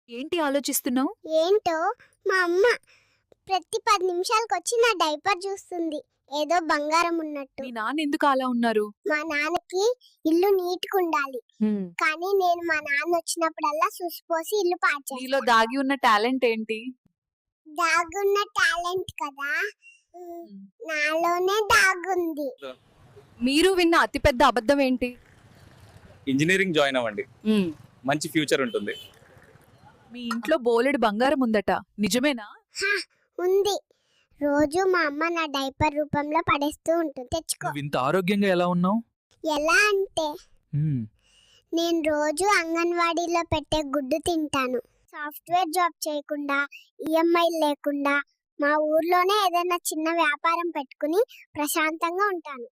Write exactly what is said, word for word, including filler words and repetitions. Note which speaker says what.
Speaker 1: ఏంటి ఆలోచిస్తున్నావు?
Speaker 2: ఏంటో మా అమ్మ ప్రతి పది నిమిషాలకొచ్చి నా డైపర్ చూస్తుంది. ఏదో బంగారం ఉన్నట్టు.
Speaker 1: మీ నాన్న ఎందుకు అలా ఉన్నారు?
Speaker 2: మా నాన్నకి ఇల్లు నీట్‌గుండాలి. కానీ నేను మా నాన్న వచ్చినప్పుడల్లా సుసిపోసి ఇల్లు పాడు
Speaker 1: నీలో
Speaker 2: చేస్తా.
Speaker 1: దాగి ఉన్న టాలెంట్ ఏంటి?
Speaker 2: దాగున్న టాలెంట్ కదా! హ్మ్. నాలోనే దాగుంది.
Speaker 1: మీరు విన్న అతిపెద్ద అబద్ధం ఏంటి?
Speaker 3: ఇంజనీరింగ్ జాయిన్ అవ్వండి, మంచి ఫ్యూచర్ ఉంటుంది.
Speaker 1: మీ ఇంట్లో బోలెడు బంగారం ఉందట, నిజమేనా?
Speaker 2: హా! ఉంది. రోజు మా అమ్మ నా డైపర్ రూపంలో పడేస్తూ ఉంటుంది. తెచ్చుకో.
Speaker 4: నువ్వు ఇంత ఆరోగ్యంగా ఎలా ఉన్నావు?
Speaker 2: ఎలా అంటే నేను రోజు అంగన్వాడీలో పెట్టే గుడ్డు తింటాను. సాఫ్ట్వేర్ జాబ్ చేయకుండా, ఈఎంఐ లేకుండా మా ఊర్లోనే ఏదైనా చిన్న వ్యాపారం పెట్టుకుని ప్రశాంతంగా ఉంటాను.